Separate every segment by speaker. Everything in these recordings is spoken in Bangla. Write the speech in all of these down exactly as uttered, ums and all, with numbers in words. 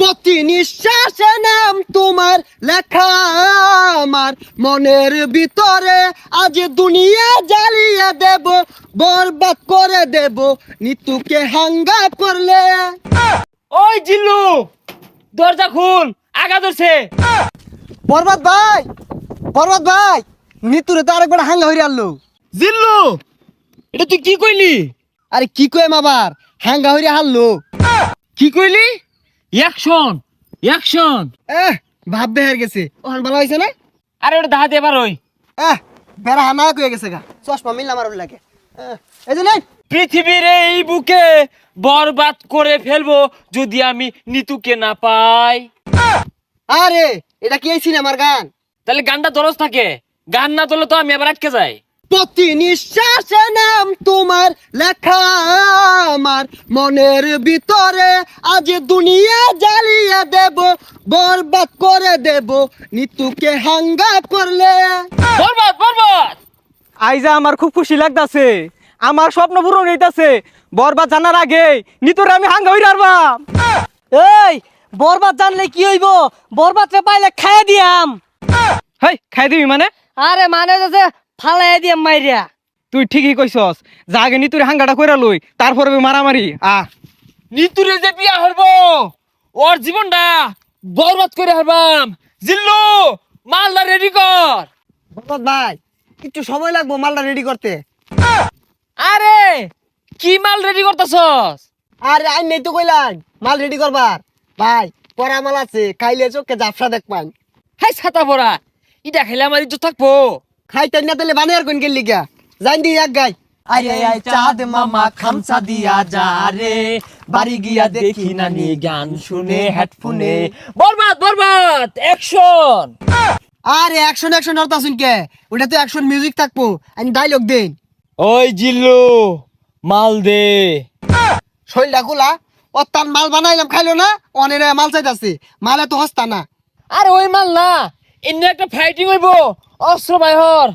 Speaker 1: প্রতি নিঃশ্বাসে নাম তোমার লেখা আমার মনের ভিতরে, আজ দুনিয়া জ্বালিয়ে দেব, বরবাদ করে দেব নিতুকে হাঙ্গা করলে।
Speaker 2: ওই জিল্লু, দরজা খুল, আগা ধরছে।
Speaker 1: বরবাদ ভাই, বরবাদ ভাই, নিতুরে তো আরেকবার হাঙ্গা হইরে আনলো।
Speaker 2: জিল্লু, এটা তুই কি কইলি?
Speaker 1: আরে কি কইম আবার, হাঙ্গা হইরে হারলো।
Speaker 2: কি কইলি? Action, action.
Speaker 1: এহ ভাব বেহার গেছে, ওখান ভালো হয়েছে না?
Speaker 2: আরে ওটা দাহাতে এবার ওই
Speaker 1: এহ বেড়া হানা কয়ে গেছে গা, চশমা মিললাম আর লাগে। এহ, এই যে নেই।
Speaker 2: পৃথিবীর এই বুকে বরবাদ করে ফেলবো যদি আমি নিতুকে না পাই।
Speaker 1: আরে এটা কি এই সিনেমার গান?
Speaker 2: তাহলে গানটা দরজ থাকে, গান না তোলে তো আমি আবার আটকে যাই।
Speaker 1: প্রতি নিঃশ্বাসে নাম তোমার লেখা আমার মনের ভিতরে, আজ দুনিয়া জ্বালিয়ে দেব, বরবাদ করে দেব নিতুকে হাঙ্গা করলে।
Speaker 2: বরবাদ, বরবাদ।
Speaker 3: আইজা আমার খুব খুশি লাগতাছে, আমার স্বপ্ন পূরণ হইতাছে। বরবাদ জানার আগে নিতরে আমি হাঙ্গা হইরা আরবাম।
Speaker 4: এই বরবাদ জানলে কি হইব? বরবাদ রে পাইলে খাইয়া দিয়াম।
Speaker 3: হেই খাই দিবি মানে?
Speaker 4: আরে মানে যে ফালাই দিয়াম মাইরিয়া।
Speaker 3: তুই ঠিকই কইছস, যা আগে নিতুরে হাঙ্গাটা কইরা লই, তারপরে মারামারি। আ
Speaker 2: নিতুরে যে বিয়া হইবো, ওর জীবনটা বরবাদ করে হারবাম। জিল্লু, মালদা রেডি কর।
Speaker 1: বরবাদ ভাই একটু সময় লাগবো মালটা রেডি করতে।
Speaker 2: আরে কি মাল রেডি করতেছস?
Speaker 1: আরে আই নেই তো কইলাম মাল রেডি করবার। ভাই পরা মাল আছে, খাইলে চোখে জাফসা দেখবান।
Speaker 2: হাই ছাতা পড়া, ইটা খেলে আমার ইজ্জত থাকবো।
Speaker 1: খাইতে না তাহলে বানিয়ার কোন গেলি গা, জান দি এক গাই।
Speaker 2: আরে আই চাঁদ মামা খামসা দিয়া যা রে, বাড়ি গিয়া দেখি নানি গান শুনে হেডফোনে। বরবাদ, বরবাদ, অ্যাকশন।
Speaker 1: আরে অ্যাকশন অ্যাকশন হরতা শুন কে, ওটা তো অ্যাকশন মিউজিক থাকবো, আমি ডায়লগ দেন।
Speaker 2: ওই জিল্লু, মাল দে।
Speaker 1: শৈলটা খোলা, ও তার মাল বানাইলাম খাইলো না, অনেক মাল চাইতাছে, মালে তো হস্তা না।
Speaker 2: আরে ওই মাল না, এমনি একটা ফাইটিং হইবো, অস্ত্র বাইহর।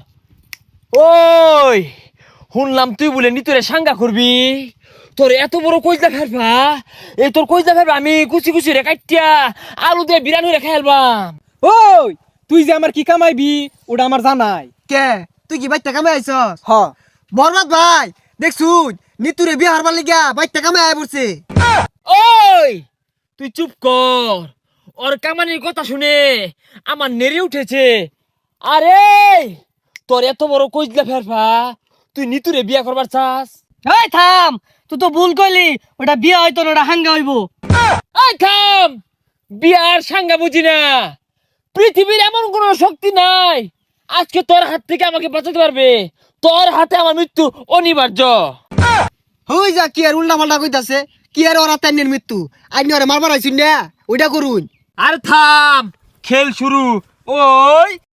Speaker 2: ওই শুনলাম তুই বলে নিতরে সাঙ্গা করবি, তোর এত বড় কইজা ফেলবা, এই তোর কইজা ফেলবা আমি কুচি কুচি রে কাটিয়া আলু দিয়ে বিরানি রে খাইলবাম।
Speaker 3: ওই তুই যে আমার কি কামাইবি ওটা আমার জানাই।
Speaker 1: কে তুই কি বাইতে কামে আইছস?
Speaker 3: হ
Speaker 1: বরবাদ ভাই দেখছুন নিতুরে বিয়ে হারবার লিগা বাইতে কামে আয় পড়ছে।
Speaker 2: ওই তুই চুপ কর, ওর কামানির কথা শুনে আমার নেড়ে উঠেছে। আরে তোর এত বড় কইজলা ফেরফা, তুই নিতুরে বিয়া করবার চাস?
Speaker 4: এই থাম, তুই তো ভুল কইলি, ওটা বিয়া হইতো না, ওটা হাঙ্গা হইব।
Speaker 2: এই থাম, বিয়ার সাঙ্গা বুঝি না। পৃথিবীর এমন কোন শক্তি নাই আজকে তোর হাত থেকে আমাকে বাঁচাতে পারবে। তোর হাতে আমার মৃত্যু অনিবার্য।
Speaker 1: হই যা কি আর উল্টা পাল্টা কইতাছে, কি আর ওরা তাইনের মৃত্যু, আইনি ওরে মারবার আইছুন না, ওইটা করুন।
Speaker 2: আর থাম, খেল শুরু। ওই